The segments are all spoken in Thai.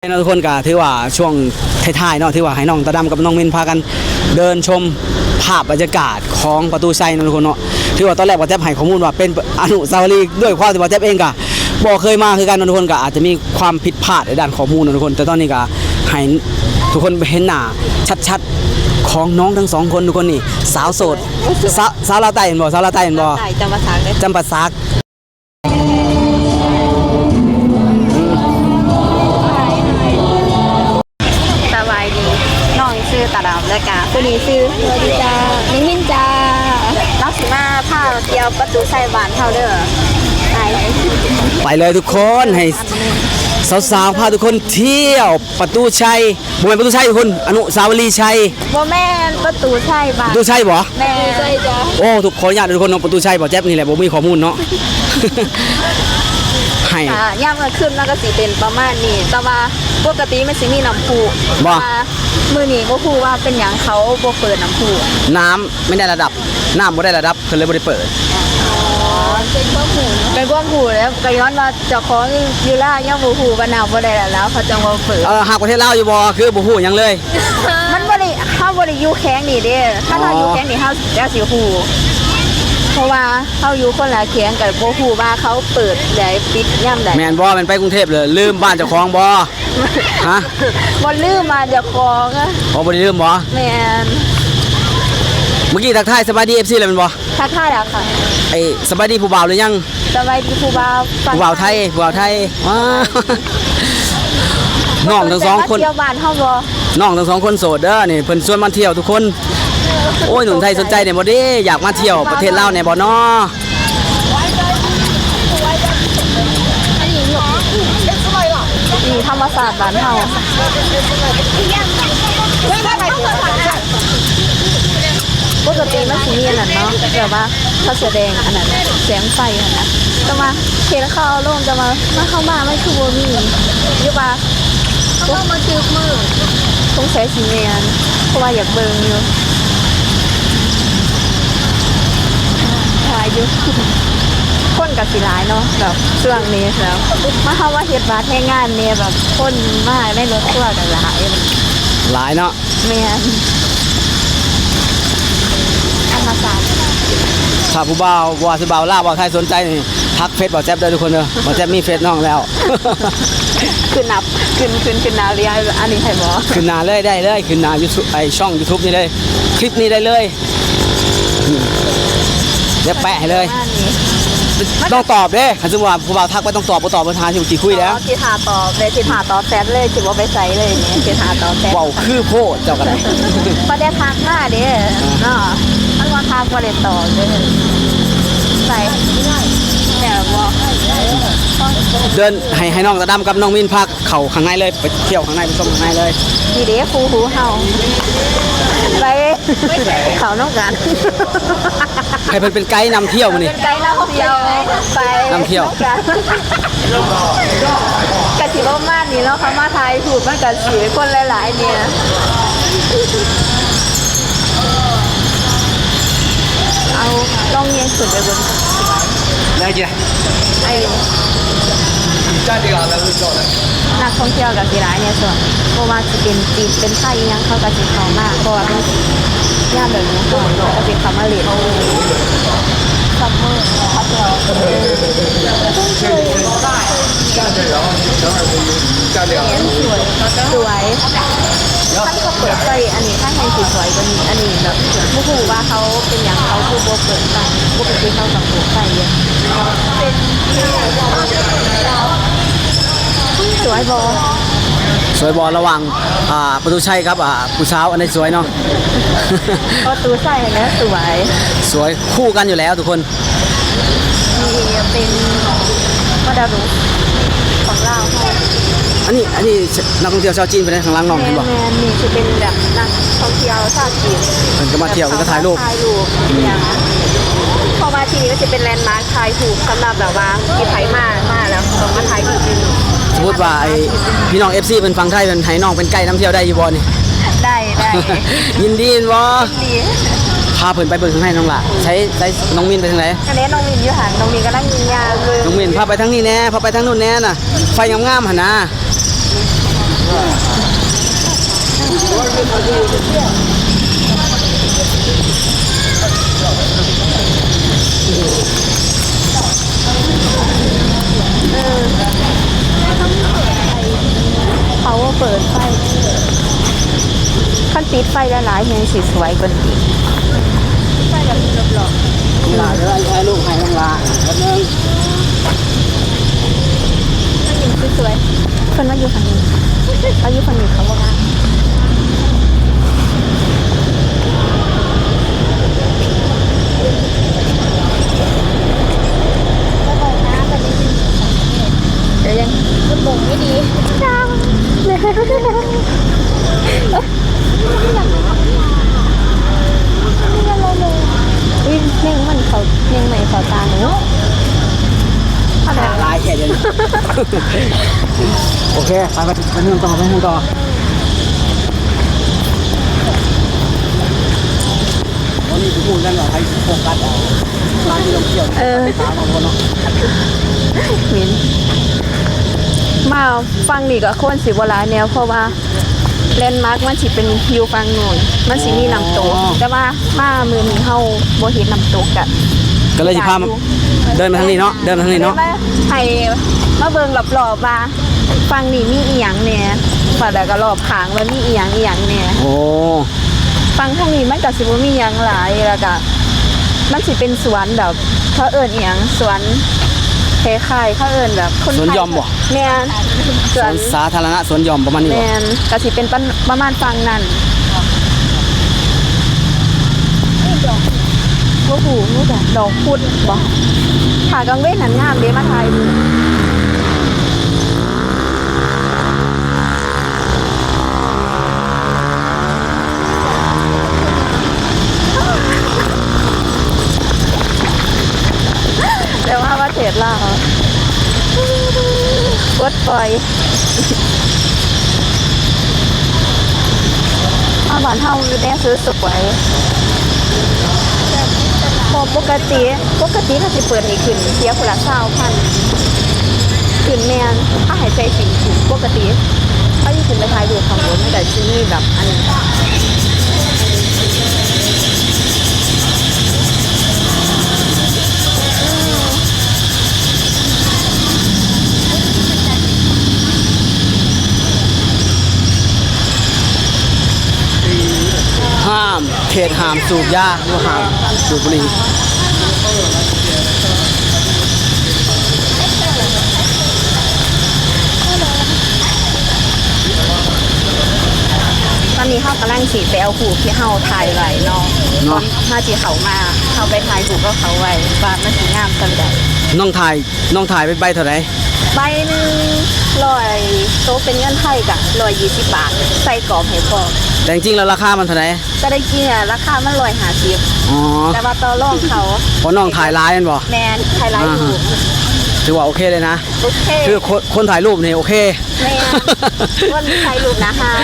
ทุกคนก็ถือว่าช่วงท้ายๆเนาะถือว่าให้น้องตาดำกับน้องมินพากันเดินชมภาพบรรยากาศของประตูชัยนะทุกคนเนาะถือว่าตอนแรกว่าแจ๊บให้ข้อมูลว่าเป็นอนุสาวรีย์ด้วยความที่ว่าแจ๊บเองก็บอกเคยมาคือกันทุกคนก็อาจจะมีความผิดพลาดในด้านข้อมูลนะทุกคนแต่ตอนนี้ก็ให้ทุกคนเห็นหน้าชัดๆของน้องทั้งสองคนทุกคนนี่สาวโสดสาวลาวใต้เห็นบ่สาวลาวใต้เห็นบ่จำปาสักเลยจำปาสักสบายดีน้องชื่อตาดำและกาผู้นี้ชื่อสวัสดีจ้ามินจ้าลักษิมาพาเที่ยวประตูชัยบ้านเฮาเด้อไปเลยทุกคนให้สาวๆพาทุกคนเที่ยวประตูชัยบ่แม่นประตูชัยทุกคนอนุสาวรีย์ชัยบ่แม่นประตูชัยบ้านประตูชัยบ่แม่ใช่จ้ะโอ้ทุกคนญาติทุกคนเนาะประตูชัยบ่แจ๊บนี่แหละบ่มีข้อมูลเนาะให้ย่ามกลางคืนมันก็สิเป็นประมาณนี้แต่ว่าปกติมันสิมีน้ำพุบ่มื้อนี้บ่ฮู้ว่าเป็นหยังเขาบ่เปิดน้ำพุน้ำไม่ได้ระดับน้ำบ่ได้ระดับเพิ่นเลยบ่ได้เปิดเป็นความหูแล้วก็ย้อนว่าเจ้าของอยู่ล่ายังบ่ฮู้ว่าน้ำบ่ได้แล้วเขาจังว่าเปิดหากประเทศลาวอยู่บ่คือบ่ฮู้หยังเลยมันบ่ได้เฮาบ่ได้อยู่แข้งนี่เด้ถ้าเราอยู่แข้งนี่เฮาจะสิฮู้เพราะว่าเฮาอยู่คนละแข้งกับบ่ฮู้ว่าเขาเปิดได้ปิดยามใดแม่นบ่แม่นไปกรุงเทพเลยลืมบ้านเจ้าของบ่ฮะบ่ลืมมาเจ้าของบ่ได้ลืมบ่แม่นเมื่อกี้ทักทายสบายดี FC เลยแม่นบ่ทักทายแล้วค่ะสบายดีผู้บ่าวหรือยังสบายดีผู้บ่าวไทยน้องทั้งสองคนเที่ยวบ้านเฮาบ่น้องทั้งสองคนโสดเด้อนี่เพิ่นชวนมาเที่ยวทุกคนโอ้ยหนุ่มไทยสนใจเนี่ยบ่เด้อยากมาเที่ยวประเทศลาวเนี่ยบ่เนาะนี่ธรรมศาสตร์บ้านเฮาปกติมันสิมีอันนั้นเนาะแบบว่าเขาแสดงอันนั้นแสงไฟอันนั้นแต่ว่าเห็นเขาเอาลงจะมาเข้ามาไม่คือบ่มีอยู่ป่ะต้องมาจืบมือต้องใช้สีแมนเพราะว่าอยากเบิ่งอยู่ถ่ายอยู่คนกับสีหลายเนาะแบบช่วงนี้แล้วมาเขาว่าเฮ็ดบาร์ให้งานเนี่ยแบบคนมากได้รถทั่วกันหลายเนาะแม่นถ้าผู้บ่าวว่าสิบ่าวลาวบ่าวไทยสนใจนี่ทักเฟซบ่าวแจ๊บได้ทุกคนเด้อบ่าวแจ๊บมีเฟซน้องแล้วขึ้นหน้าเรียอันนี้ให้บ่ขึ้นหน้าเลยได้เลยขึ้นหน้า YouTube ช่อง YouTube นี่เลยคลิปนี้ได้เลยเดี๋ยวแปะให้เลยต้องตอบเด้คันสมมุติว่าผู้บ่าวทักไปต้องตอบบ่ตอบบ่ทานสิคุยแล้วสิหาตอบเลยสิหาตอบแซดเลยสิบ่ไปใส่เลยนี่สิหาตอบแซดเว้าคือโพดเจ้าก็ได้บ่ได้ทักมาเด้เนาะมันว่าทักบ่ได้ตอบเด้ใส่แต่บ่เดินให้น้องตาดำกับน้องมินพักเข้าข้างในเลยไปเที่ยวข้างในไปชมข้างในเลยนี่เด้ครูหูเฮาไปเขาน้องกันให้เพิ่นเป็นไกด์นำเที่ยวมื้อนี้ไกด์นำเที่ยวไปนำเที่ยวกะสิบ่มานี่เนาะเขามาไทยถูกมันก็สิคนหลายๆเนี่ยเอาลองเรียนสุดไปบนได้จ้ะไอ้นักท่องเที่ยวกับกีฬาเนี่ยส่วนเพราะว่าจะเป็นจีนเป็นไทยยังเขากับจีนเขามากเพราะว่าเป็นย่าแบบนี้ก่อนก็เป็นคำว่าเรียนซัมเมอร์พัดเราสวยท่านเขาเปิดใจอันนี้ท่านให้สวยกว่านี้อันนี้แบบผู้หูว่าเขาเป็นอย่างเขาคือโบเปิดใจปกติเขาสังเกตใจเยอะเป็นสวยบอระหว่างประตูชัยครับผู้สาวอันนี้สวยเนาะประตูชัยนะสวยคู่กันอยู่แล้วทุกคนนี่เป็นมาดารุของเราอันนี้นักท่องเที่ยวชาวจีนไปในข้างล่างน้องเห็นบ่นี่จะเป็นแบบนักท่องเที่ยวชาวจีนมันก็มาเที่ยวมันก็ถ่ายรูปอย่างพอมาที่นี่ก็จะเป็นแลนด์มาร์คถ่ายถูกสำหรับแบบว่าที่ไทยมาแล้วต้องมาถ่ายถูกสมมติว่าพี่น้อง FC เป็นฟังไทยเป็นไทยน้องเป็นไกด์นำเที่ยวได้อยู่บ่นี่ได้ยินดีบ่พาเพิ่นไปเบิ่งข้างในน้องล่ะใช้น้องมินไปทางไหนอันนี้น้องมินอยู่หันน้องมินกำลังยิงยาเลยน้องมินพาไปทางนี้แน่พาไปทางนู้นแน่น่ะไฟงามๆหั่นนะเขาว่าเปิดไฟขั้นติดไฟละหลายๆยังสีสวยกว่านี้ไฟแบบนี้หลอกลาเดี๋ยวให้ลูกให้น้องลาแป๊บนึงๆมันยังสวยๆคนว่าอยู่ฝั่งนี้เขาอยู่ฝั่งนี้เขาบอกว่าเดี๋ยวยังมันบ่งไม่ดีจ้าวิ่งเน่งมันเขาเน่งใหม่เขาตาหนูอะไรลายแค่เดียวนะโอเคไปเรื่องต่อไปเรื่องต่อวันนี้พูดกันว่าใครโฟกัสร้านที่เราเที่ยวไปตามบางคนเนาะมินมาฟังนี่ก็ควรสิบวลายแนวเพราะว่าแลนด์มาร์กมันสิเป็นอยู่ฟังโน่นมันสิมีน้ำตกแต่ว่ามามือนี้เฮาบ่เห็นน้ำตกกะก็เลยสิพามาเดินมาทางนี้เนาะเดินมาทางนี้เนาะให้มาเบิ่งรอบๆว่าฟังนี่มีอีหยังแหน่ว่าแล้วก็รอบข้างว่ามีอีหยังแหน่โอ้ฟังทางนี้มันก็สิบ่มีหยังหลายแล้วก็มันสิเป็นสวนแบบเขาเอิ้นอีหยังสวนคล้ายๆเขาเอิ้นแบบคนไทสวนหย่อมบ่แม่นสสววน นสาธารณะสวนหย่อมประมาณนี้แมบ่นก็สิเป็นประมาณฟังนั่นโอ้โหนี่จ้ะดอกพุดบ่ขากลางเว้นหันงามเด้มาถ่ายดูแต่ว่าประเทศลาวกดปล่อยอาบ้านเฮาอยู่แน่ซื้อสวยพอปกติเขาสิเปิดให้ขึ้นเสียคนละ20,000ขึ้นแม่นถ้าหายใจสิถูกปกติเขาอยู่ขึ้นไปถ่ายรูปของรถไม่ได้ซื้อนี่แบบอันนี้ห้ามเขตห้ามสูบยาหรือห้ามสูบบุหรี่ตอนนี้เขากำลังสิไปเอาหูที่เฮาถ่ายไว้เนาะถ้าที่เขามาเขาไปถ่ายหูก็เขาไว้ว่ามันสิงามจังได๋น้องถ่ายเป็นใบเท่าไหร่ใบหนึ่ง100โตะเป็นเงินไทยกะ120 บาทใส่กรอบให้พอแต่จริงๆแล้วราคามันเท่าไหร่แต่ได้กินอ่ะราคามัน150 อ๋อแต่ว่าต่อรองเขาเพราะน้องถ่ายร้ายมันบ่แมนไทยไลท์ถูกถือว่าโอเคเลยนะโอเคคือคนถ่ายรูปนี่โอเคแมนวันนี้ไทยรูปนะฮะ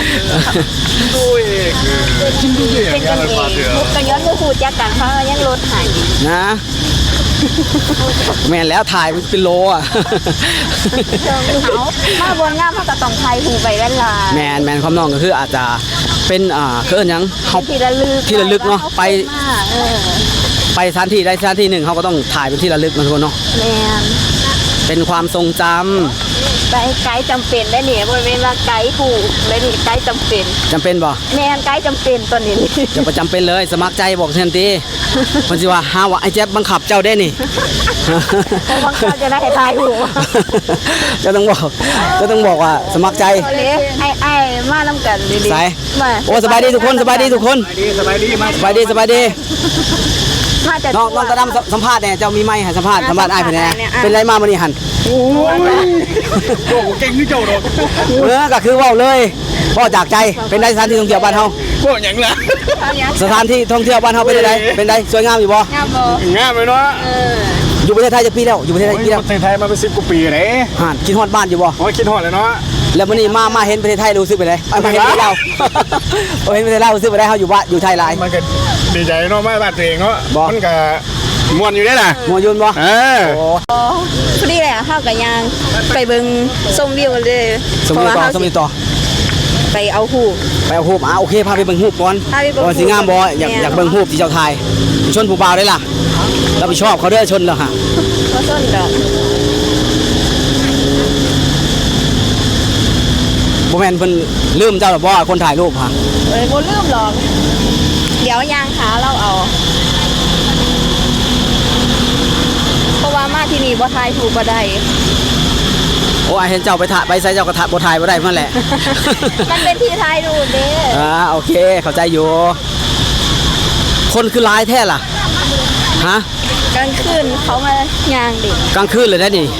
เป็นกันเองมุกกันย้อนก็คูดจักกันเขายังลดใหายนะแม่นแล้วถ่ายเป็นโลอ่ะเขามาบนงามเขาก็ต้องไทยหูไปเวลาแมนความน้องก็คืออาจจะเป็นคืออนหยังเขาที่ระลึกที่ระลึกเนาะไปเออไปสถานที่ใดสถานที่หนึ่งเขาก็ต้องถ่ายเป็นที่ระลึกนะทุกคนเนาะแมนเป็นความทรงจำไกด์จำเป็นได้เนี่ยบริเวณว่าไกด์ถูกได้นี่ไกด์จำเป็นจำเป็นบ่แมนไกด์จำเป็นตัวนี้อย่าประจำเป็นเลยสมัครใจบอกทันทีคนสิว่าหาว่าไอ้แจ๊บบังคับเจ้าได้นี่เพราะบางคนจะได้ทายถูกจะต้องบอกว่าสมัครใจไอ้มาน้ำกันดีๆสายมาโอ้สบายดีทุกคนสบายดีทุกคนสบายดีมาสบายดีมาจะน้องตาดำสัมภาษณ์เนี่ยเจ้ามีไม้ให้สัมภาษณ์อ้ายเพิ่นแน่เป็นไรมามื้อนี้หั่นโอ้โหเก่งที่เจ้าดอกก็คือเว้าเลยเว้าจากใจเป็นได้สถานที่ท่องเที่ยวบ้านเฮาพวกอย่างละสถานที่ท่องเที่ยวบ้านเฮาเป็นไดเป็นไดสวยงามอยู่บ่งามบ่งามเลยเนาะอยู่ประเทศไทยจะปีแล้วอยู่ประเทศไทยปีแล้วประเทศไทยมาเป็น10 กว่าปีเลยห่านคิดฮอดบ้านอยู่บ่โอ้ยคิดฮอดเลยเนาะแล้วมื้อนี้มาเห็นประเทศไทยรู้สึกไปเลยมาเห็นประเทศลาวเห็นประเทศลาวรู้สึกไปได้เฮาอยู่บ้านอยู่ไทยหลายมันก็ดีใจเนาะมาบ้านตัวเองเนาะบอกมันก็ม่วนอยู่ได้ล่ะมัวยุนบ่เออโอ้พอดีแหละเข้ากับยางไปเบิ่งชมวิวเลยสมมุติต่อไปเอาหูปไปเอารูปโอเคพาไปเบิ่งรูปก่อนพาไปเบิ่งรูปก่อนสิงามบ่อยากเบิ่งรูปที่เจ้าถ่ายชนผู้บ่าวได้ล่ะรับผิดชอบเขาเด้อชนแล้วฮะบ่ต้นดอกบ่แม่นเพิ่นลืมเจ้าหรอบ่คนถ่ายรูปฮะบ่ลืมหรอกเดี๋ยวยางขาเราเอาเพราะว่ามาที่นี่บ่ถ่ายถูกบ่ได้โอ้ยเห็นเจ้าไปถ่ายไปใส่เจ้าก็ถ่ายบ่ถ่ายบ่ได้นั่นแหละมันเป็นที่ถ่ายรูปเด้โอเคเข้าใจอยู่คนคือหลายแท้ล่ะฮะกลางคืนเขามายางดิกลางคืนเลยได้นี่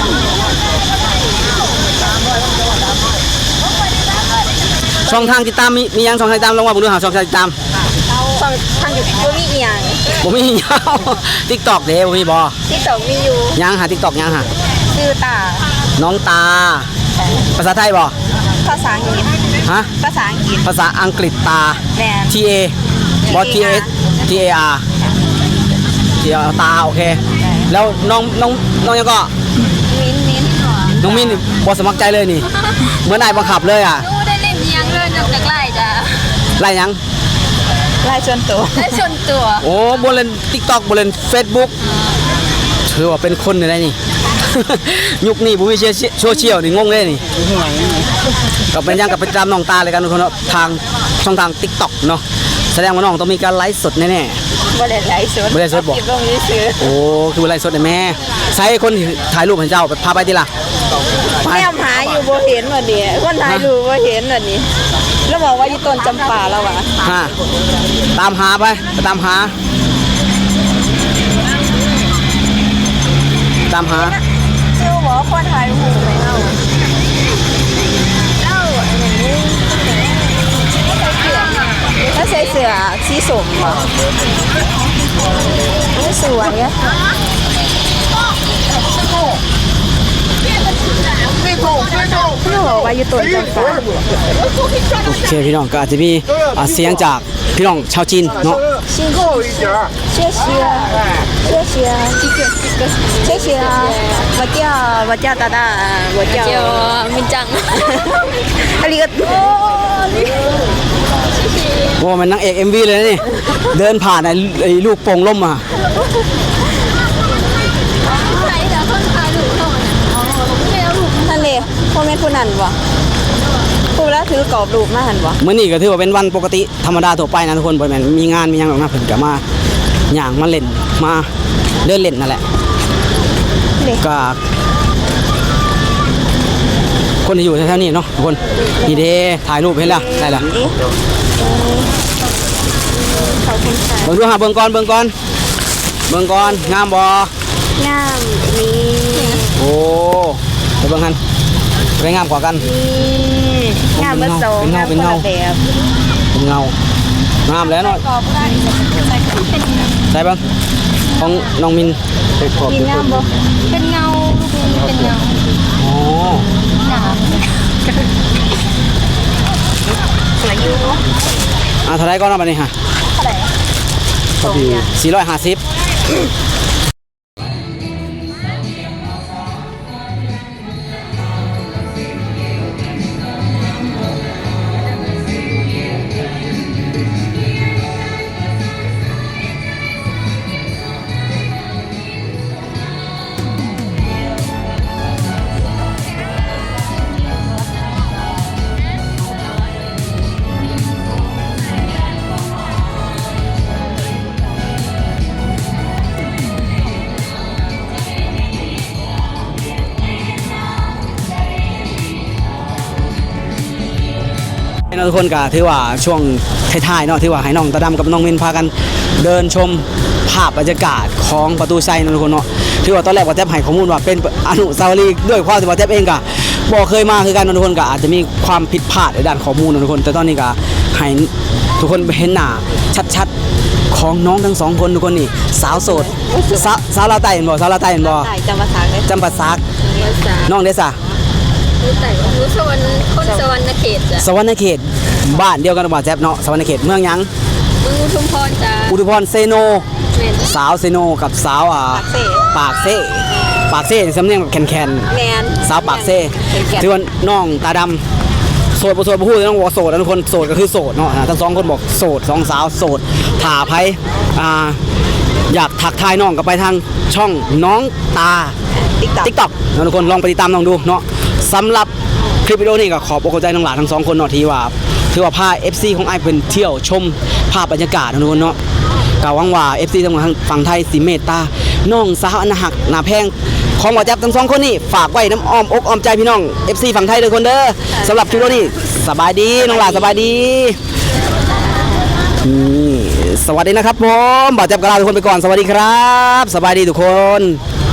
ช่องทางติดตามมียังช่องทางติดตามลองว่าผมดูหาช่องทางติดตามฟังทางบ่มีอีหยังผมมียาว TikTok เด้ผมมีบ่ที่สองมีอยู่ยังหา TikTok ยังหาชื่อตาน้องตา ภาษาไทยบ่ภาษาอังกฤษฮะภาษาอังกฤษภาษาอังกฤษตาแม่น T A บ่ T S T A R T A R ตาโอเค แล้วน้องยังก็มิ้นน้องมินนี่บ่สมัครใจเลยนี่เหมือนนายบังคับเลยอ่ะดูได้เล่นยังเลยนอกจากไล่จ้ะไรยังไล่ชนตัวไล่ชนตัวโอ้บ่เล่น TikTok บ่เล่น Facebook ถือว่าเป็นคนได้นี่ ยุคนี้บ่มีโซเชียลนี่งงเลยนี่ก็เป็นยังกับไปตามน้องตาเลยกันทุกคนเนาะทางช่องทาง TikTok เนาะแสดงว่าน้องต้องมีการไลฟ์สดแน่บ่ได้ไล่ชนบ่ได้ไลฟ์สดบ่เก็บลงซื้อๆโอ้คือบ่ไลฟ์สดได้แม่ใช้คนที่ถ่ายรูปให้เจ้าไปพาไปติล่ะไปแม่หาอยู่บ่เห็นว่านี่คนถ่ายรูปบ่เห็นว่านี่แล้วบอกว่าอยู่ต้นจำปาแล้วว่ะฮะตามหาไปตามหาชื่อบอกว่าคนถ่ายรูปไหมเฮาเอ้าอันนี้แล้วใส่เสื้อสีส้มบ่สวยอ่ะ พี่บอกว่าอยู่ต้นจำปาโอเคพี่น้องก็อาจจะมีเสียงจากพี่น้องชาวจีนเนาะ辛苦一点谢谢谢谢谢谢我叫大大我叫明章ありがとうโอ้มันนางเอก MV เลยนะนี่เดินผ่านไอ้ลูกโป่งล่มมานั่นเลยพ่อแม่ผู้นั้นบ่ผู้แล้วถือกรอบรูปมาหันบ่มื้อนี้ก็ถือว่าเป็นวันปกติธรรมดาทั่วไปนะทุกคนบ่แม่นมีงานมีหยังหรอกนะเพิ่นก็มาย่างมาเล่นมาเดินเล่นนั่นแหละเด็กก็คนที่อยู่แถวๆนี้เนาะทุกคนนี่เด้ถ่ายรูปเห็นแล้วได้แล้วขอบคุณค่ะเบิ่งดูหาเบิ่งก่อนงามบ่งามนี่โอ้ไปเบิ่งหันไปงามกว่ากันงามเบอร์สองงามคนละแบบเป็นเงางามแล้วเนาะกรอบได้เป็นใช่บ้างของน้องมินไปขอบมีงามบ่เป็นเงาลูกนี้เป็นเงาอ๋อสวยอยู่เท่าไรก็นับไปนี่ฮะเท่าไหร่พอดี450ทุกคนก็ถือว่าช่วงท้ายๆเนาะถือว่าให้น้องตาดำกับน้องมินพากันเดินชมภาพบรรยากาศของประตูไซน์นะทุกคนเนาะถือว่าตอนแรกว่าแทบให้ข้อมูลว่าเป็นอนุสาวรีย์ด้วยความที่ว่าแทบเองก็บ่เคยมาคือกันนะทุกคนก็อาจจะมีความผิดพลาดในด้านข้อมูลนะทุกคนแต่ตอนนี้ก็ให้ทุกคนเห็นหน้าชัดๆของน้องทั้งสองคนทุกคนนี่สาวโสดสาวลาวใต้เห็นบ่สาวลาวใต้เห็นบ่ใต้จำภาษาได้จำปาสักภาษาน้องเดซ่าแต่รู้สวรรค์คนสวรรค์เขตจ้ะสวรรณเขตบ้านเดียวกันกับบ่าวแจ๊บเนาะสวรรณเขตเมืองหยังมึงชุมพรจ้ะอุทุพรเซโนแม่นสาวเซโนกับสาวปากเซ่สำเนียงแบบแคนแมนๆสาวปากเซ่ถือว่าน้องตาดำโสดบ่โสดบ่ฮู้ต้องบอกโสดนะทุกคนโสดก็คือโสดเนาะทั้งสองคนบอกโสดสองสาวโสดถ่าไผอยากทักทายน้องก็ไปทางช่องน้องตา TikTok นะทุกคนลองไปติดตามน้องดูเนาะสำหรับคลิปวิดีโอนี้ก็ขอบอกใจน้องหลานทั้งสองคนเนาะที่ว่าถือว่าพา FC ของไอ้เป็นเที่ยวชมภาพบรรยากาศนะทุกคนเนาะก็หวังว่า FC ทั้งฝั่งไทยสิเมตตาน้องสาวอันหักหน้าแพงของบ่แจ๊บทั้งสองคนนี่ฝากไว้น้ำอ้อมอกอ้อมใจพี่น้อง FC ฝั่งไทยทุกคนเด้อสำหรับคลิปวิดีโอนี้สบายดีน้องหลานสบายดีสวัสดีนะครับผมบ่แจ๊บกบลาทุกคนไปก่อนสวัสดีครับสบายดีทุกคน